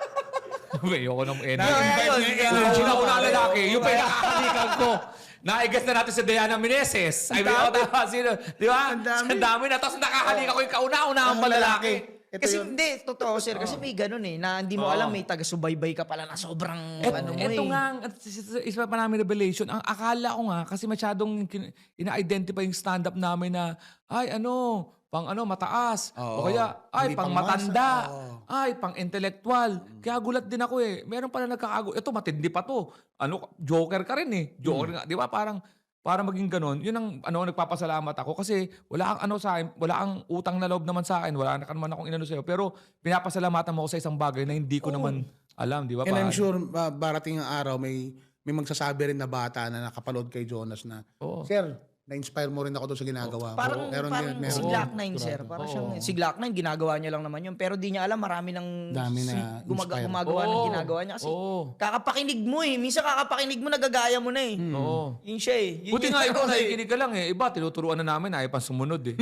[SPEAKER 3] Ayoko ng energy.
[SPEAKER 5] Na-invite
[SPEAKER 3] Yung
[SPEAKER 5] niya yung energy
[SPEAKER 3] una
[SPEAKER 5] mo,
[SPEAKER 3] una
[SPEAKER 5] pare.
[SPEAKER 3] lalaki, yung
[SPEAKER 5] Oo.
[SPEAKER 3] pinakakalikan ko. Naigas na natin si Diana Meneses. Ay, may ako tama sino. Di ba?
[SPEAKER 4] Ang dami.
[SPEAKER 3] Ang dami na. Tapos nakahalika ko yung kauna-una ang lalaki.
[SPEAKER 4] Ito
[SPEAKER 5] Kasi
[SPEAKER 4] yun.
[SPEAKER 5] hindi, totoo sir. Kasi may ganun eh, na hindi mo
[SPEAKER 3] Oo.
[SPEAKER 5] alam may taga-subaybay ka pala na sobrang
[SPEAKER 3] Et,
[SPEAKER 5] ano mo
[SPEAKER 3] eto
[SPEAKER 5] eh.
[SPEAKER 3] nga, ang- at is- is- isa pa namin revelation. Ang akala ko nga, kasi masyadong kin- ina-identify yung stand-up namin na, ay ano, pang ano, mataas.
[SPEAKER 4] Oo.
[SPEAKER 3] O kaya, ay,
[SPEAKER 4] Hindi
[SPEAKER 3] pang
[SPEAKER 4] pang masa.
[SPEAKER 3] matanda.
[SPEAKER 4] Oo.
[SPEAKER 3] Ay, pang intellectual. Kaya gulat din ako eh. Meron pala nagkakago. Ito, matindi pa to. Ano, joker ka rin eh. Joker nga. Di ba? Parang, para maging ganun, yun ang ano, nagpapasalamat ako kasi wala kang ano sa akin, wala kang utang na loob naman sa akin, wala na ka naman akong inano sa'yo. Pero pinapasalamatan mo ako sa isang bagay na hindi ko naman alam, di ba?
[SPEAKER 4] And I'm
[SPEAKER 3] pare?
[SPEAKER 4] sure uh, barating ang araw may may magsasabi rin na bata na nakapanood kay Jonas na,
[SPEAKER 3] Oo.
[SPEAKER 4] Sir, na-inspire mo rin ako doon sa ginagawa mo.
[SPEAKER 5] Parang,
[SPEAKER 4] Meron
[SPEAKER 5] parang
[SPEAKER 4] din, meron
[SPEAKER 5] si
[SPEAKER 4] din.
[SPEAKER 5] Glock nine, sir. Parang
[SPEAKER 3] Oo.
[SPEAKER 5] siyang, si Glock nine, ginagawa niya lang naman yun. Pero di niya alam, marami ng
[SPEAKER 4] Dami na
[SPEAKER 5] si- gumaga,
[SPEAKER 4] inspire.
[SPEAKER 5] gumagawa ng
[SPEAKER 3] Oo.
[SPEAKER 5] ginagawa niya. Kasi
[SPEAKER 3] Oo.
[SPEAKER 5] kakapakinig mo eh. Minsan kakapakinig mo, nagagaya mo na eh.
[SPEAKER 3] Oo.
[SPEAKER 5] Yun siya eh. Yun
[SPEAKER 3] Buti
[SPEAKER 5] yung
[SPEAKER 3] nga ikaw
[SPEAKER 5] ano eh.
[SPEAKER 3] nakikinig ka lang eh. Iba, tinuturuan na namin, ayaw pang sumunod eh.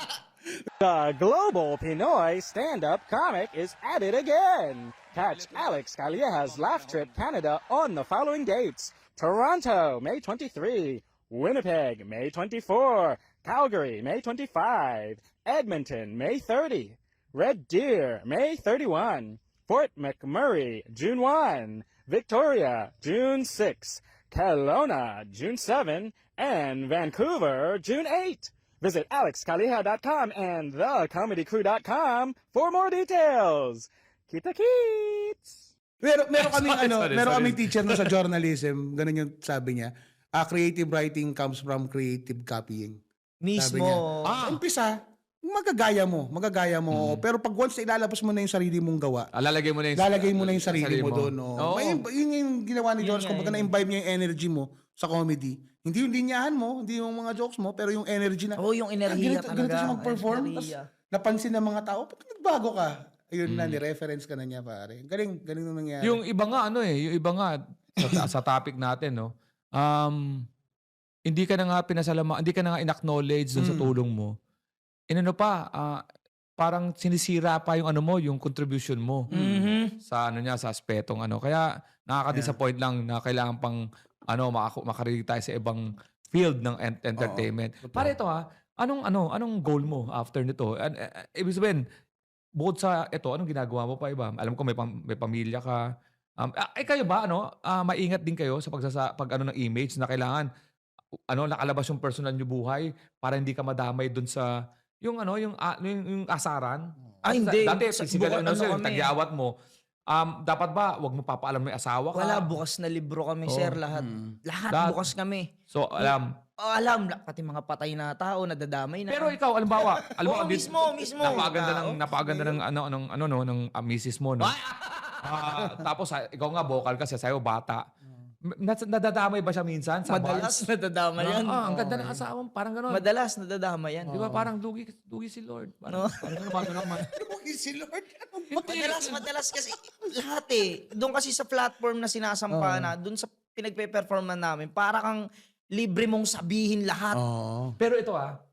[SPEAKER 7] The global Pinoy stand-up comic is at it again. Catch Alex Calieja's Laugh Trip Canada on the following dates. Toronto, May twenty-third. Winnipeg, May twenty-fourth. Calgary, May twenty-fifth. Edmonton, May thirtieth. Red Deer, May thirty-first. Fort McMurray, June first. Victoria, June sixth. Kelowna, June seventh. And Vancouver, June eighth. Visit alex calieja dot com and the comedy crew dot com for more details. Kita kits!
[SPEAKER 4] Meron, meron kaming
[SPEAKER 3] Sorry,
[SPEAKER 4] ano,
[SPEAKER 3] sorry,
[SPEAKER 4] meron
[SPEAKER 3] sorry.
[SPEAKER 4] kaming teacher na sa journalism, ganun yung sabi niya. Ah, creative writing comes from creative copying. Sabi
[SPEAKER 5] Mismo.
[SPEAKER 4] niya.
[SPEAKER 3] Ah.
[SPEAKER 4] Umpisa, magagaya mo, magagaya mo. Pero pag once na ilalabas mo na yung sarili mong gawa,
[SPEAKER 3] Ah, lalagay mo na yung,
[SPEAKER 4] lalagay mo na yung sarili mo doon. Oh.
[SPEAKER 3] Oo.
[SPEAKER 4] May, yun yung ginawa ni
[SPEAKER 5] Yun
[SPEAKER 4] Jonas.
[SPEAKER 5] nga,
[SPEAKER 4] Kung baga
[SPEAKER 5] yun.
[SPEAKER 4] na-imbibe niya yung energy mo sa comedy. Hindi yung linyahan mo, hindi yung mga jokes mo, pero yung energy na,
[SPEAKER 5] Oo, yung
[SPEAKER 4] ah,
[SPEAKER 5] enerhiya
[SPEAKER 4] ganito,
[SPEAKER 5] talaga.
[SPEAKER 4] ganito siya mag-perform. Tapos
[SPEAKER 5] Enerhiya.
[SPEAKER 4] napansin ng mga tao, pag nagbago ka, ayun
[SPEAKER 3] Mm.
[SPEAKER 4] na, ni-reference ka na niya, pare. Galing, galing nung nangyari.
[SPEAKER 3] Yung iba nga, ano eh, yung iba nga, sa, sa topic natin, no, um, hindi ka na nga pinasalama, hindi ka na nga in-acknowledge dun sa
[SPEAKER 4] Mm.
[SPEAKER 3] tulong mo. Inano pa, ah, parang sinisira pa yung ano mo, yung contribution mo
[SPEAKER 5] Mhm.
[SPEAKER 3] sa ano niya, sa aspetong ano. Kaya nakaka-disappoint lang na kailangan pang ano, maka- makarinig tayo sa ibang field ng ent- entertainment.
[SPEAKER 4] totoo.
[SPEAKER 3] Para ito ha, anong ano, anong goal mo after nito? An- eh, eh, ibig sabihin, bukod sa ito, anong ginagawa mo pa iba? Alam ko may, pam- may pamilya ka. Um, ah, eh kayo ba, ano, ah, maingat din kayo sa pagsasa, pag ano ng image na kailangan, ano, nakalabas yung personal nyo buhay para hindi ka madamay dun sa, yung ano, yung, ah, yung, yung asaran?
[SPEAKER 5] Ah,
[SPEAKER 3] Kasi
[SPEAKER 5] hindi.
[SPEAKER 3] Dati,
[SPEAKER 5] Sa-
[SPEAKER 3] physical,
[SPEAKER 5] buka-
[SPEAKER 3] ano,
[SPEAKER 5] ano
[SPEAKER 3] sir,
[SPEAKER 5] kami.
[SPEAKER 3] tagyawat mo. Um, dapat ba, wag mo papaalam may asawa ka?
[SPEAKER 5] Wala, bukas na libro kami,
[SPEAKER 3] Oo.
[SPEAKER 5] sir. Lahat.
[SPEAKER 4] Mm.
[SPEAKER 5] Lahat
[SPEAKER 3] Lahat.
[SPEAKER 5] bukas kami.
[SPEAKER 3] So, alam.
[SPEAKER 5] Oh, alam, la- pati mga patay na tao, nadadamay na.
[SPEAKER 3] Pero ikaw, alimbawa, alam mo,
[SPEAKER 5] Oo,
[SPEAKER 3] abis-
[SPEAKER 5] mismo, mismo.
[SPEAKER 3] napakaganda ng,
[SPEAKER 5] Tao.
[SPEAKER 3] napakaganda ng, ano, ng, ano, no, ng uh, misis mo, no? Ah, tapos ah, ikaw nga vocal ka, sasayaw bata. Nas- nadadamay ba siya minsan sa
[SPEAKER 5] Madalas
[SPEAKER 3] bars?
[SPEAKER 5] nadadama yan.
[SPEAKER 3] Ah, ang ganda ng asawa mo, parang gano'n.
[SPEAKER 5] Madalas nadadama yan.
[SPEAKER 3] Di ba parang dugi, dugi si Lord? Parang,
[SPEAKER 5] No.
[SPEAKER 3] parang gano'n naman.
[SPEAKER 4] Si Lord.
[SPEAKER 5] Madalas, madalas kasi lahat eh. Doon kasi sa platform na sinasampa na, doon sa pinagpe-perform na namin, para kang libre mong sabihin lahat.
[SPEAKER 4] Oo.
[SPEAKER 3] Pero ito ah,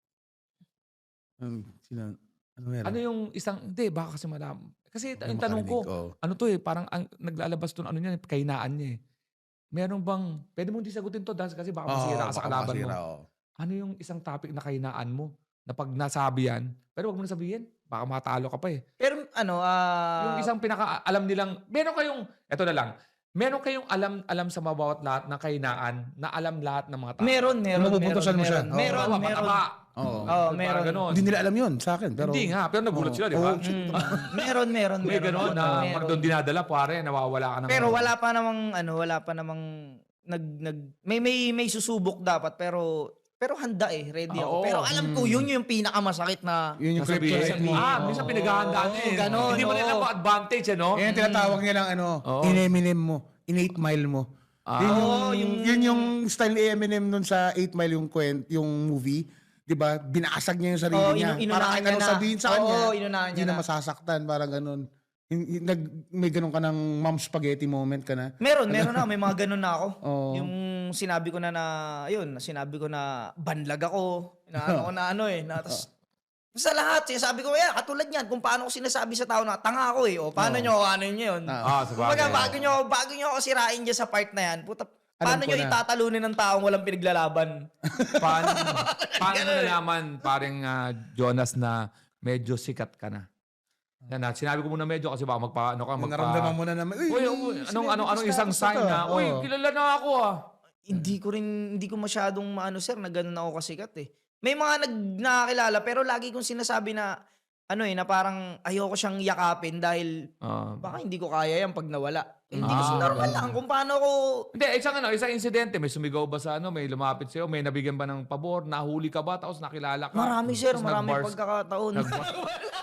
[SPEAKER 4] Um, sino? Ano meron?
[SPEAKER 3] ano yung isang, hindi, baka kasi madam. Kasi
[SPEAKER 4] Baka
[SPEAKER 3] yung tanong ko,
[SPEAKER 4] makarinig, oo.
[SPEAKER 3] ano to eh, parang ang, naglalabas to, ano niya, kahinaan niya eh. Meron bang, pwede mong di sagutin to, dahil kasi baka masira ka sa
[SPEAKER 4] baka
[SPEAKER 3] kalaban
[SPEAKER 4] masira,
[SPEAKER 3] mo.
[SPEAKER 4] oo.
[SPEAKER 3] Ano yung isang topic na kahinaan mo? Na pag nasabi yan, pero wag mo na sabihin, baka matalo ka pa eh.
[SPEAKER 5] Pero ano, ah...
[SPEAKER 3] Yung isang pinaka alam nilang, meron kayong, eto na lang, meron kayong alam alam sa mabawat lahat ng kahinaan na alam lahat ng mga tao.
[SPEAKER 5] meron, meron,
[SPEAKER 4] Yung mapupuntasan mo siya.
[SPEAKER 5] meron,
[SPEAKER 4] Oo.
[SPEAKER 5] meron,
[SPEAKER 3] Mataba,
[SPEAKER 5] meron.
[SPEAKER 3] mataba.
[SPEAKER 4] Oo.
[SPEAKER 5] Oo,
[SPEAKER 3] Parang
[SPEAKER 5] meron.
[SPEAKER 3] ganon.
[SPEAKER 4] Hindi nila alam yun sa akin. Pero,
[SPEAKER 3] Hindi nga, pero nagulat
[SPEAKER 4] Oo.
[SPEAKER 3] sila, di ba?
[SPEAKER 4] Oo.
[SPEAKER 5] Mm, meron, meron,
[SPEAKER 3] May
[SPEAKER 5] meron.
[SPEAKER 3] gano'n na
[SPEAKER 5] meron.
[SPEAKER 3] pag doon dinadala, pare, nawawala ka ng...
[SPEAKER 5] Pero wala pa namang, ano, wala pa namang, nag, nag, may, may, may susubok dapat, pero, pero handa eh, ready ako.
[SPEAKER 3] Oo.
[SPEAKER 5] Pero alam ko, yun yung pinakamasakit na,
[SPEAKER 4] Yun yung
[SPEAKER 3] Sasabihin.
[SPEAKER 4] kryptonite mo.
[SPEAKER 3] Ah, minsan pinaghahandaan eh.
[SPEAKER 5] ganon,
[SPEAKER 3] Hindi mo nila
[SPEAKER 5] oo.
[SPEAKER 3] pa advantage, ano?
[SPEAKER 4] Yan yung tinatawag nilang ano,
[SPEAKER 3] Oo.
[SPEAKER 4] in Eminem mo, in eight mile mo.
[SPEAKER 3] Ah.
[SPEAKER 4] Yun yung,
[SPEAKER 5] Oo, yung-
[SPEAKER 4] yun yung style ni Eminem nun sa eight mile yung kwent, yung movie. 'Di ba? Binasag niya yung sarili
[SPEAKER 5] Oo,
[SPEAKER 4] niya.
[SPEAKER 5] inu- inunahan
[SPEAKER 4] Para kahit
[SPEAKER 5] niya
[SPEAKER 4] anong
[SPEAKER 5] na.
[SPEAKER 4] sabihin sa
[SPEAKER 5] Oo,
[SPEAKER 4] kanya,
[SPEAKER 5] inunahan
[SPEAKER 4] hindi
[SPEAKER 5] niya
[SPEAKER 4] na
[SPEAKER 5] na.
[SPEAKER 4] masasaktan. Parang ganun. Yung- yung nag, may ganun ka ng mom spaghetti moment ka na.
[SPEAKER 5] meron, meron na, may mga ganun na ako.
[SPEAKER 4] Oo.
[SPEAKER 5] Yung sinabi ko na na, ayun, sinabi ko na banlag ako, na ano ko na ano eh, na, tas, sa lahat, sinasabi ko, yeah, katulad yan, kung paano ko sinasabi sa tao na tanga ako eh, o paano
[SPEAKER 4] Oo.
[SPEAKER 5] nyo, ano nyo yun.
[SPEAKER 3] Ah, sa
[SPEAKER 5] Kumbaga,
[SPEAKER 3] bagay.
[SPEAKER 5] bago nyo, bago nyo ako sirain dyan sa part na yan, puta, paano
[SPEAKER 4] ko
[SPEAKER 5] nyo
[SPEAKER 4] na.
[SPEAKER 5] itatalunin ng taong walang pinaglalaban?
[SPEAKER 3] Paano, paano mo nalaman, paring ah, Jonas, na medyo sikat ka na? Yan na, sinabi ko muna medyo kasi baka magpa, ano ka,
[SPEAKER 4] Yung
[SPEAKER 3] magpa...
[SPEAKER 4] naramdaman mo na naman, uy,
[SPEAKER 3] Uy,
[SPEAKER 4] may
[SPEAKER 3] uy, anong,
[SPEAKER 4] celebrity
[SPEAKER 3] anong, anong isang
[SPEAKER 4] status
[SPEAKER 3] sign
[SPEAKER 4] to.
[SPEAKER 3] na, uy,
[SPEAKER 4] Oo.
[SPEAKER 3] kilala na ako ah.
[SPEAKER 5] Hindi ko rin, hindi ko masyadong maano sir, na ganun ako kasikat eh. May mga nag nakakilala, pero lagi kong sinasabi na, ano eh, na parang ayoko siyang yakapin dahil
[SPEAKER 3] Ah.
[SPEAKER 5] baka hindi ko kaya yan pag nawala. Hindi
[SPEAKER 3] Ah,
[SPEAKER 5] kasi normal lang kung paano ko...
[SPEAKER 3] Hindi, isang ano, isang insidente, may sumigaw ba sa ano, may lumapit sa'yo, may nabigyan ba ng pabor, nahuli ka ba, tapos nakilala ka?
[SPEAKER 5] Marami sir,
[SPEAKER 3] Tapos
[SPEAKER 5] marami
[SPEAKER 3] nag-bars-
[SPEAKER 5] pagkakataon.
[SPEAKER 3] nag-bars-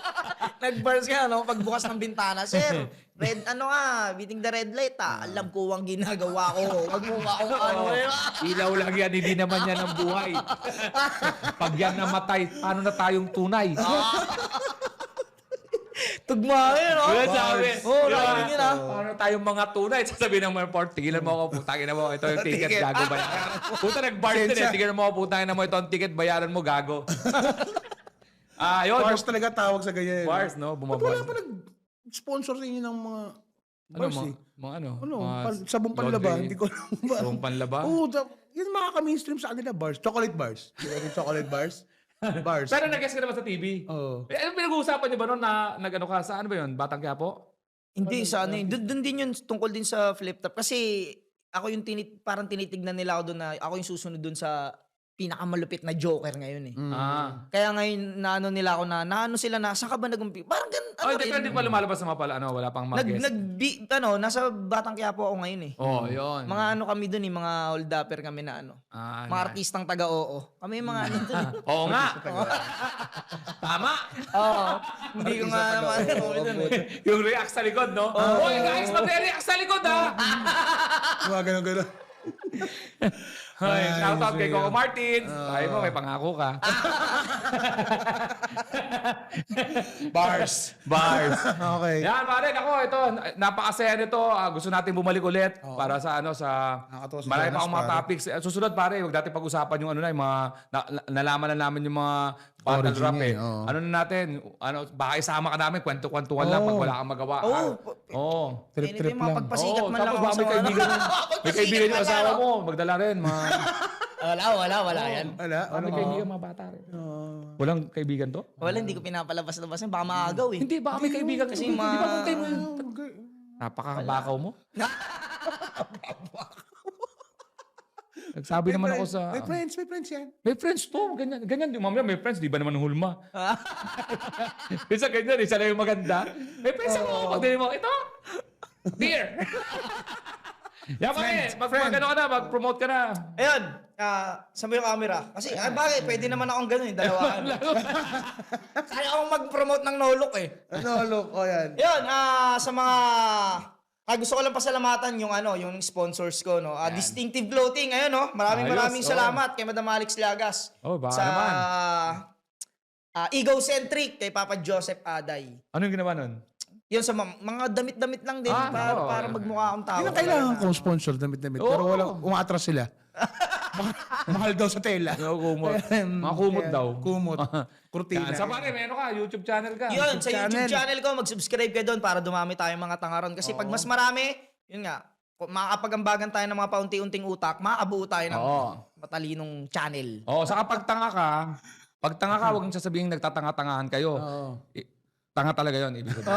[SPEAKER 5] Nag-bars ka, no? Pagbukas ng bintana. Sir, red, ano nga, beating the red light, ah. Alam ko ang ginagawa ko. Wag mo ba akong ano, eh.
[SPEAKER 3] Ilaw lang yan, hindi naman yan ang buhay. Pag yan namatay, paano na tayong tunay?
[SPEAKER 5] Tugma yun, no?
[SPEAKER 3] Yun sabi.
[SPEAKER 5] Oo,
[SPEAKER 3] Di ba?
[SPEAKER 5] lagi yun, ah.
[SPEAKER 3] Paano tayong mga tunay? Sasabihin ng mga port, tigilan mo ako, putangin na mo, ito yung ticket,
[SPEAKER 4] Ticket.
[SPEAKER 3] gago bayaran. Puta, nag-bars din eh,
[SPEAKER 4] Sensya.
[SPEAKER 3] tigilan mo ako, putangin na mo, ito ang ticket, bayaran mo, gago. Ah, yun.
[SPEAKER 4] Bars talaga tawag sa ganyan.
[SPEAKER 3] Bars, no?
[SPEAKER 4] Ba't wala
[SPEAKER 3] Bumabars.
[SPEAKER 4] pa nag-sponsor sa inyo ng mga
[SPEAKER 3] Ano,
[SPEAKER 4] bars
[SPEAKER 3] mga,
[SPEAKER 4] eh?
[SPEAKER 3] mga ano?
[SPEAKER 4] Ano,
[SPEAKER 3] mga
[SPEAKER 4] pan, sabong panlaba,
[SPEAKER 3] laundry.
[SPEAKER 4] hindi ko alam ba.
[SPEAKER 3] Sabong panlaba?
[SPEAKER 4] Oo, da- yun makaka-mainstream sa kanila bars. Chocolate bars. Di ba yung chocolate bars? Bars.
[SPEAKER 3] Pero nag-guess ka naman sa T V?
[SPEAKER 4] Oo.
[SPEAKER 3] Eh, ano pinag-uusapan niyo ba noon na nag-ano ka sa ano ba yun? Batang Quiapo?
[SPEAKER 5] Hindi, sa ano yun. Doon doon din yun, tungkol din sa flip top. Kasi ako yung tinit, parang tinitignan nila ako doon na ako yung susunod doon sa pinakamalupit na Joker ngayon eh.
[SPEAKER 4] Mm.
[SPEAKER 3] Ah.
[SPEAKER 5] Kaya ngayon, naano nila ako na, naano sila na, saan ka ba nag-umpi? Parang gan,
[SPEAKER 3] Oh,
[SPEAKER 5] ano
[SPEAKER 3] hindi, pero
[SPEAKER 5] rin.
[SPEAKER 3] hindi pa lumalabas na mapala. Ano, wala pang
[SPEAKER 5] Nag,
[SPEAKER 3] mag-guess.
[SPEAKER 5] nag, bi, ano, nasa Batang Quiapo ako ngayon eh.
[SPEAKER 3] Oh, yun.
[SPEAKER 5] Mga ano kami doon eh, mga hold-upper kami na ano.
[SPEAKER 3] Ah,
[SPEAKER 5] Mga
[SPEAKER 3] na-
[SPEAKER 5] artistang taga-oo. Kami yung mga ano doon eh.
[SPEAKER 3] Oo nga. Tama.
[SPEAKER 5] Oo. Hindi ko nga naman ano doon eh.
[SPEAKER 3] Yung react sa likod, no? Oh, Uy, guys, magre-react sa likod, ha?
[SPEAKER 4] Mga ganun ganun.
[SPEAKER 3] Ay,
[SPEAKER 4] Ay,
[SPEAKER 3] shout out kay
[SPEAKER 4] sige.
[SPEAKER 3] Coco Martins. Ay mo, may pangako ka.
[SPEAKER 4] Bars.
[SPEAKER 3] Bars.
[SPEAKER 4] Okay.
[SPEAKER 3] Yan, pare, ako, ito, napakasaya nito. Ah, gusto natin bumalik ulit para sa ano, sa
[SPEAKER 4] Nakakatawa si
[SPEAKER 3] marami pa
[SPEAKER 4] Jonas,
[SPEAKER 3] akong mga
[SPEAKER 4] pare.
[SPEAKER 3] topics. Eh, Susunod, pare, huwag natin pag-usapan yung ano na, yung mga, na, na- nalaman na namin yung mga battle
[SPEAKER 4] Origin
[SPEAKER 3] rap
[SPEAKER 4] niya
[SPEAKER 3] eh.
[SPEAKER 4] eh, oo.
[SPEAKER 3] Ano na natin, ano, baka isama ka namin, kwento-kwentuhan lang pag
[SPEAKER 4] Oo.
[SPEAKER 3] wala kang magawa.
[SPEAKER 5] Oo.
[SPEAKER 3] ah. Oo.
[SPEAKER 4] Trip-trip
[SPEAKER 5] Anytime, mga
[SPEAKER 4] lang.
[SPEAKER 5] pagpasikat
[SPEAKER 3] Oo,
[SPEAKER 5] man lang
[SPEAKER 3] tapos
[SPEAKER 5] ako
[SPEAKER 3] baka
[SPEAKER 5] sa
[SPEAKER 3] may
[SPEAKER 5] mga-
[SPEAKER 3] kaibigan, may
[SPEAKER 5] Pagpasikat
[SPEAKER 3] kaibigan yung
[SPEAKER 5] man
[SPEAKER 3] asawa
[SPEAKER 5] lang.
[SPEAKER 3] mo, magdala rin. Mga,
[SPEAKER 5] Wala, wala, wala yan.
[SPEAKER 4] Wala.
[SPEAKER 3] baka may
[SPEAKER 4] Ano?
[SPEAKER 3] kaibigan mga bata rin. Walang kaibigan to?
[SPEAKER 5] Wala, hindi ko pinapalabas-labas yun. Baka maagaw eh.
[SPEAKER 3] Hindi, baka may kaibigan.
[SPEAKER 5] Kasi
[SPEAKER 3] Hindi,
[SPEAKER 5] mga-
[SPEAKER 3] di ba kung kayo napakabakaw mo? Nagsabi naman ako sa...
[SPEAKER 4] May friends, may friends yan.
[SPEAKER 3] May friends to, ganyan. Ganyan, di mamaya may friends, di ba naman hulma? Isa ganyan, isa lang yung maganda. May friends ako, pag dinig mo, ito, beer. Yan pare, mag, mag, ano ka na, mag-promote ka na.
[SPEAKER 5] Ayun, ah, sa yung camera. Kasi, ay bagay, pwede naman akong ganun, eh, dalawaan. Kaya akong mag-promote ng no-look eh.
[SPEAKER 4] Ano, look, o yan.
[SPEAKER 5] Yun, ah, sa mga... Ah, gusto ko lang pasalamatan yung ano, yung sponsors ko, no. Ah, Distinctive Clothing, ayun, no. Maraming
[SPEAKER 3] Ayos,
[SPEAKER 5] maraming
[SPEAKER 3] oh.
[SPEAKER 5] salamat kay Madam Alex Llagas.
[SPEAKER 3] Oh, baka
[SPEAKER 5] sa,
[SPEAKER 3] naman.
[SPEAKER 5] ah, Egocentric kay Papa Joseph Aday.
[SPEAKER 3] Ano yung ginawa nun?
[SPEAKER 5] Yun sa ma- mga damit-damit lang din
[SPEAKER 3] Ah,
[SPEAKER 5] para,
[SPEAKER 3] oo.
[SPEAKER 5] para magmukha akong tao.
[SPEAKER 4] Yun ang kailangan kong sponsor, damit-damit. Pero
[SPEAKER 3] Oo.
[SPEAKER 4] wala, umaatras sila. Mahal- Mahal daw sa tela.
[SPEAKER 3] Yung kumot. Mga kumot
[SPEAKER 4] Yan,
[SPEAKER 3] daw.
[SPEAKER 4] Kumot. Kurtina.
[SPEAKER 3] Yan. Sa pare, may ano ka, YouTube channel ka.
[SPEAKER 5] Yun, sa YouTube
[SPEAKER 4] channel.
[SPEAKER 5] channel ko, mag-subscribe kayo doon para dumami tayong mga tangaron. Kasi pag mas marami, yun nga, kung makakapag-ambagan tayo ng mga paunti-unting utak, makakabuo tayo ng
[SPEAKER 3] Oo.
[SPEAKER 5] matalinong channel.
[SPEAKER 3] Oo, saka pag tanga ka, pag tanga ka, huwag mong sasabihin nagtatanga-tangahan kayo.
[SPEAKER 4] Oo.
[SPEAKER 3] I- tanga talaga yun, ibig sabihin.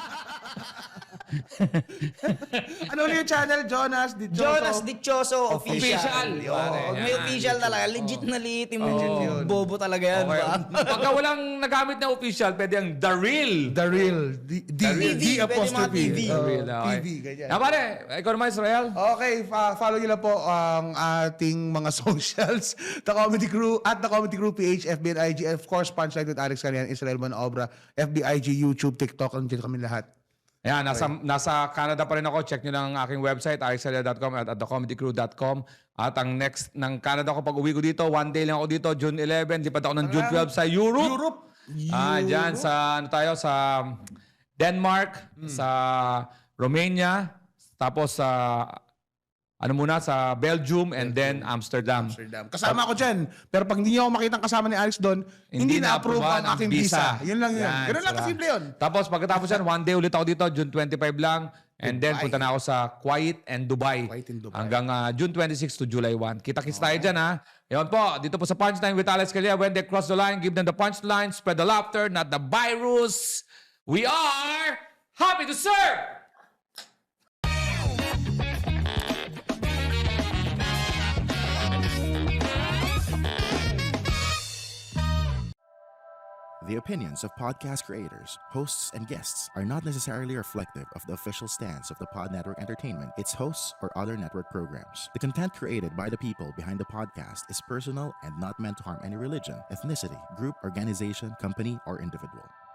[SPEAKER 4] Ano ulit yung channel? Jonas Dichoso.
[SPEAKER 5] Jonas Dichoso Official.
[SPEAKER 3] Official.
[SPEAKER 5] Oo,
[SPEAKER 3] Pare,
[SPEAKER 5] may
[SPEAKER 3] yan.
[SPEAKER 5] official talaga. Legit na liitim mo.
[SPEAKER 4] Legit yun.
[SPEAKER 5] Bobo talaga yan.
[SPEAKER 3] Okay.
[SPEAKER 5] ba?
[SPEAKER 3] Pagka walang nagamit na official, pwede ang The Real.
[SPEAKER 4] The Real. D, D,
[SPEAKER 5] The Real.
[SPEAKER 4] D
[SPEAKER 5] Pwede
[SPEAKER 4] apostrophe.
[SPEAKER 5] mga T V.
[SPEAKER 3] The
[SPEAKER 4] Oo,
[SPEAKER 3] Real, okay.
[SPEAKER 4] T V, ganyan.
[SPEAKER 3] Ah, pare, ikaw naman, Israel.
[SPEAKER 4] Okay, fa- follow nyo lang po ang ating mga socials. The Comedy Crew, at The Comedy Crew, P H, F B and I G, and of course, Punchline with Alex Calian, Israel Manobra, F B I G, YouTube, TikTok, andyan kami lahat.
[SPEAKER 3] Ayan, nasa, nasa Canada pa rin ako. Check nyo lang ang aking website, alexalia dot com at, at the comedy crew dot com. At ang next ng Canada ko pag uwi ko dito, one day lang ako dito, June eleven. Lipad ako ng June twelve sa Europe.
[SPEAKER 4] Europe!
[SPEAKER 3] Ah, dyan sa, ano tayo, sa Denmark, sa Romania, tapos sa, ano muna, sa Belgium, and then Amsterdam.
[SPEAKER 4] Amsterdam. Kasama ako dyan. Pero pag hindi niyo ako makitang kasama ni Alex doon, hindi, na-approve
[SPEAKER 3] na-approvean
[SPEAKER 4] ang aking visa. Yun lang yun.
[SPEAKER 3] Yan,
[SPEAKER 4] Ganun lang
[SPEAKER 3] sarap.
[SPEAKER 4] kasimple yun.
[SPEAKER 3] Tapos pagkatapos yan, one day ulit ako dito, June twenty-five lang. And then
[SPEAKER 4] Dubai.
[SPEAKER 3] punta na ako sa Kuwait and Dubai.
[SPEAKER 4] Kuwait and Dubai.
[SPEAKER 3] Hanggang ah, June twenty-six to July one. Kita-kits tayo dyan ha. Yun po, dito po sa Punchline with Alex Calia. When they cross the line, give them the punchline, spread the laughter, not the virus. We are happy to serve!
[SPEAKER 1] The opinions of podcast creators, hosts, and guests are not necessarily reflective of the official stance of the Pod Network Entertainment, its hosts, or other network programs. The content created by the people behind the podcast is personal and not meant to harm any religion, ethnicity, group, organization, company, or individual.